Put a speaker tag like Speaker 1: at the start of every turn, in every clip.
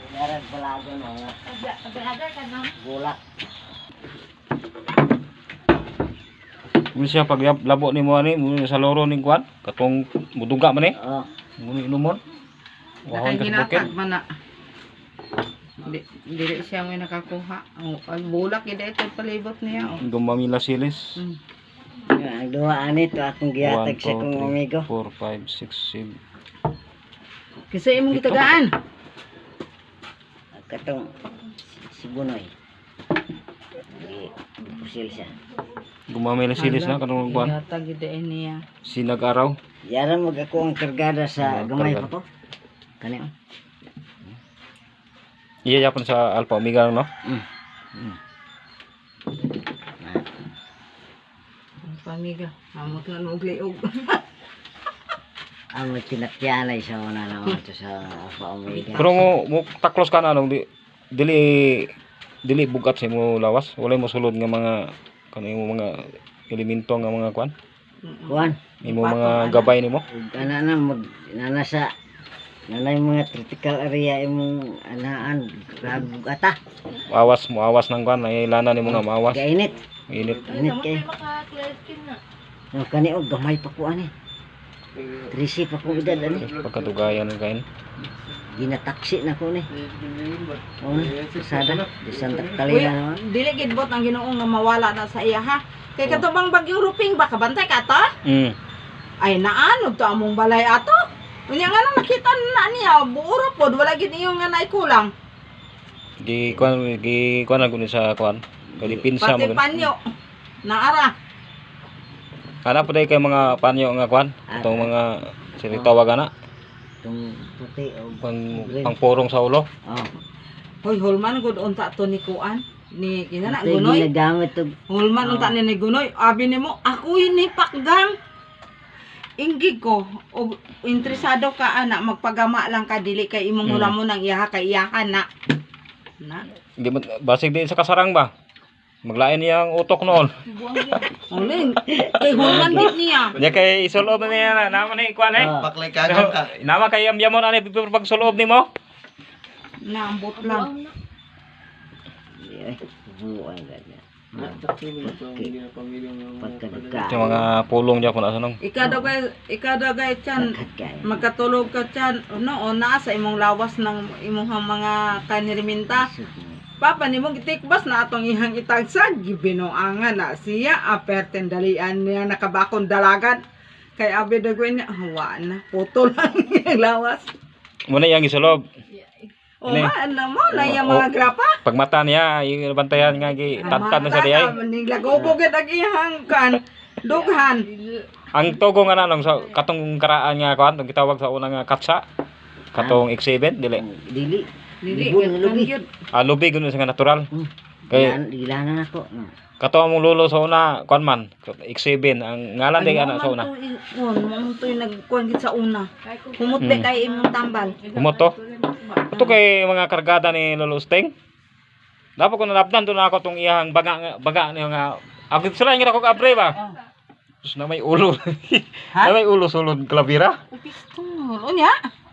Speaker 1: Darag balago na.
Speaker 2: Balaga ka no?
Speaker 1: Gulak.
Speaker 3: Muna siya pag labo ni mo ani, muna sa loro ning kuan, katong muduga man eh.
Speaker 1: Oh.
Speaker 3: Muna inumon. Wahon ka sa bukid.
Speaker 2: Ginatag man na. Dili siya may nakakuha. Ang bulak ida ito palibot niya.
Speaker 3: Gumamila silis.
Speaker 1: Ang duha ani to atong giyatag sa kong amigo.
Speaker 3: 4, 5, 6, 7.
Speaker 2: Kasi imong gitagaan.
Speaker 1: Katong si Bunoy. Pusil siya.
Speaker 3: Gumamila silis na kanang kuan.
Speaker 2: Ginatag ida niya.
Speaker 3: Sinag-araw.
Speaker 1: Yaran mag ako ang kargada sa gamay pa to. Kani.
Speaker 3: Iya yapon sa Alpha Omega no.
Speaker 2: Pamiga, amot nga nung liog.
Speaker 1: Ang tinakyanay sa una naman to sa Alpha Omega.
Speaker 3: Pero mo taklos ka na anong dili bugat sa mo lawas. Wala mo sulod nga mga kanimo mga elemento nga mga kuan.
Speaker 1: Kuan.
Speaker 3: Imo mga gabay nimo.
Speaker 1: Ana na mag nanasa nanay mga critical area imong anaan grabe bugata.
Speaker 3: Awas ng kuan ay lana nimo nga maawas.
Speaker 1: Kainit.
Speaker 3: Init.
Speaker 1: Init kay. No kani og gamay pa ko ani. 13 pa ko edad ani.
Speaker 3: Pagkatugayan ng kain.
Speaker 1: Ginataksi na ko ni. Oh, sada di Santa Catalina naman.
Speaker 2: Dili gid bot ang Ginoo nga mawala na sa iya ha. Kay katubang bagyong ruping ba kabantay ka to? Ay naanog to among balay ato. Unya nga nang nakita na niya buuro pod wala gid iyo nga naikulang.
Speaker 3: Gi kuan ako ni sa kuan. Kay pinsa mo.
Speaker 2: Pati panyo. Naara.
Speaker 3: Ana pa kay mga panyo nga kuan. Itong mga sinitawag ana.
Speaker 1: Tung puti o
Speaker 3: Pangpurong sa ulo.
Speaker 1: oh.
Speaker 2: Hoy hulman gud unta to ni kuan. Ni kinana
Speaker 1: Ito yung
Speaker 2: gunoy.
Speaker 1: ginagamit og
Speaker 2: Hulman unta ni gunoy. Abi nimo ako ni pakgang. Inggi ko o interesado ka ana magpagama lang ka dili kay imong hulamon ang iyaha kay iyahan na. Na.
Speaker 3: Di basig di sa kasarang ba. Maglain niya ang utok noon.
Speaker 2: Uling kay hulman gid niya.
Speaker 3: Nya kay isulob na niya na naman ni kuan eh.
Speaker 4: Baklay kagam ka.
Speaker 3: Nama kay yamyamon ani pag sulob nimo.
Speaker 2: Naambot lang.
Speaker 1: ay buwan ganyan. Pagkadagka.
Speaker 3: Yung mga pulong diya kun asa nung.
Speaker 2: Ikadagay tiyan magkatulog ka tiyan no na sa imong lawas ng imong mga kaniriminta. Papa nimo gitikbas na atong ihang itagsag gibinoangan na siya aperten dalian niya nakabakon dalagan kay abi dagwin niya hawa na putol lang yung lawas.
Speaker 3: Muna yang isulob.
Speaker 2: O ano mo na yung mga grapa?
Speaker 3: Pag mata niya yung bantayan nga gi tatkan na sa diay.
Speaker 2: Niglagobo gid ang ihang kan dughan.
Speaker 3: Ang tugo nga nanong sa katong karaan nga kuan gitawag sa unang nga katsa. Katong X7 dili.
Speaker 1: Dili.
Speaker 2: Dili
Speaker 1: Lubi.
Speaker 3: Lubi gud sa nga natural. Kay
Speaker 1: Dilanan ako.
Speaker 3: kato among lolo sa una kuan man X7 ang ngalan day ana sa una.
Speaker 2: Mo toy nagkuan gid sa una. Humot de kay imong tambal.
Speaker 3: Kumoto. Ito kay mga kargada ni Lolo Steng. Dapat ko nalabdan to na ako tong iyang baga niya nga. Ako sila ngira ko kabre ba. Tapos na may ulo. Na may ulo sulod kalabira.
Speaker 2: Pistol. Unya.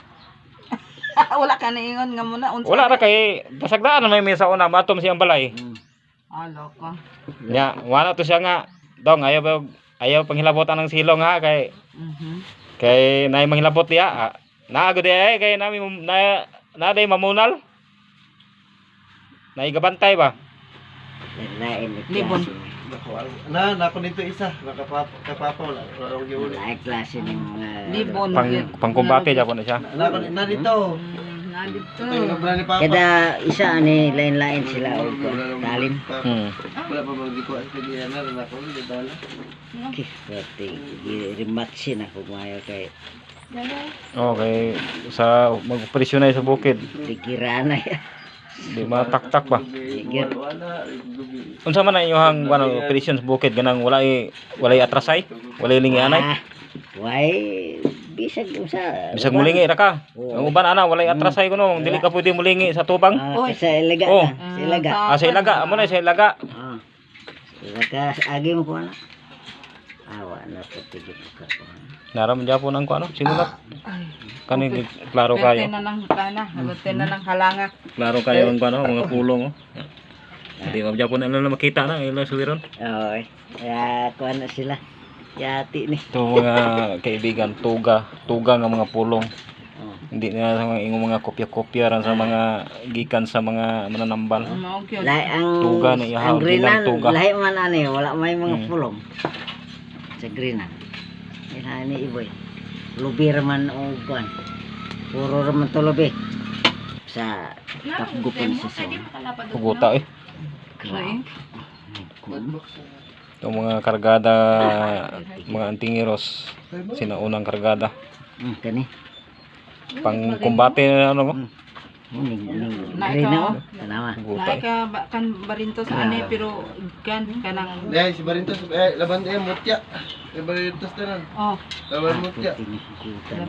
Speaker 2: Wala ka na ingon nga muna unsa.
Speaker 3: Wala ra kay pasagdaan na may mesa una matom siyang balay.
Speaker 2: Alo ka.
Speaker 3: Nya wala to siya nga dong ayaw panghilabotan ng silong ha kay kay nay manghilabot diya. Naago diya kay nami na day mamunal. Naigabantay ba?
Speaker 1: Lain
Speaker 2: Libon.
Speaker 4: Nako nito isa. Nakapapa wala.
Speaker 1: Lain klase ng mga
Speaker 2: Libon.
Speaker 3: Pangkumbate japon na siya.
Speaker 4: Nako na dito.
Speaker 2: Nalito.
Speaker 4: Ito yung nabra ni Papa.
Speaker 1: kada isa ani lain-lain sila og talim.
Speaker 4: Wala pa magdiko at kaya na nako ni dala.
Speaker 1: Pati rematch na ko mayo kay
Speaker 3: Okay, sa mag-operasyon na sa bukid.
Speaker 1: dikirana ya.
Speaker 3: Di mataktak ba?
Speaker 1: Digir.
Speaker 3: Unsa man ang iyong operasyon sa bukid ganang walay atrasay, walay lingi anay.
Speaker 1: Why bisag usa.
Speaker 3: Bisag mulingi ra ka. Ang uban ana walay atrasay kuno, dili ka pwede mulingi sa tubang.
Speaker 1: Sa ilaga
Speaker 3: Oh.
Speaker 1: na. Sa ilaga.
Speaker 3: Sa ilaga, amo na sa ilaga.
Speaker 1: Ilaga agi mo ko ana. Awa na po tigit ka po.
Speaker 3: Naram Japon ang ano, sinulat. Kani klaro
Speaker 2: Pwerte
Speaker 3: kayo.
Speaker 2: na ng kana, halutin na ng halanga.
Speaker 3: Klaro kayo ang ano, mga pulong oh. Hindi mo Japon na makita na ilo suwiron.
Speaker 1: Oy. Ya kuha na sila. Yati ni.
Speaker 3: Ito mga kaibigan, tuga nga mga pulong.
Speaker 1: Oh.
Speaker 3: Hindi na sa mga ingong mga kopya-kopya ran sa mga gikan sa mga mananambal.
Speaker 2: Mao gyud.
Speaker 1: Lahi ang
Speaker 3: Tuga na ihaw,
Speaker 1: ang greenan,
Speaker 3: tuga.
Speaker 1: lahi man ani, wala may mga
Speaker 3: Hmm.
Speaker 1: pulong. Sa greenan. Ilani iboy. Lubi raman o kuan. Puro raman to lubi. Sa kapgupan sa sa.
Speaker 3: Puguta eh.
Speaker 1: Grabe.
Speaker 3: Ito mga kargada, mga antingiros, sinaunang kargada.
Speaker 1: Kani.
Speaker 3: Pang kumbate na ano mo?
Speaker 1: Ning
Speaker 2: Na
Speaker 1: green na
Speaker 2: ikaw?
Speaker 1: oh. Tanawa.
Speaker 3: Puguta
Speaker 2: Naay
Speaker 3: eh.
Speaker 2: ka kan barinto sa ani pero kan kanang
Speaker 4: Dahil si Barintos, laban mutya. Si Barintos na lang.
Speaker 2: oh
Speaker 4: Laban mutya.
Speaker 1: Puti ni kuta.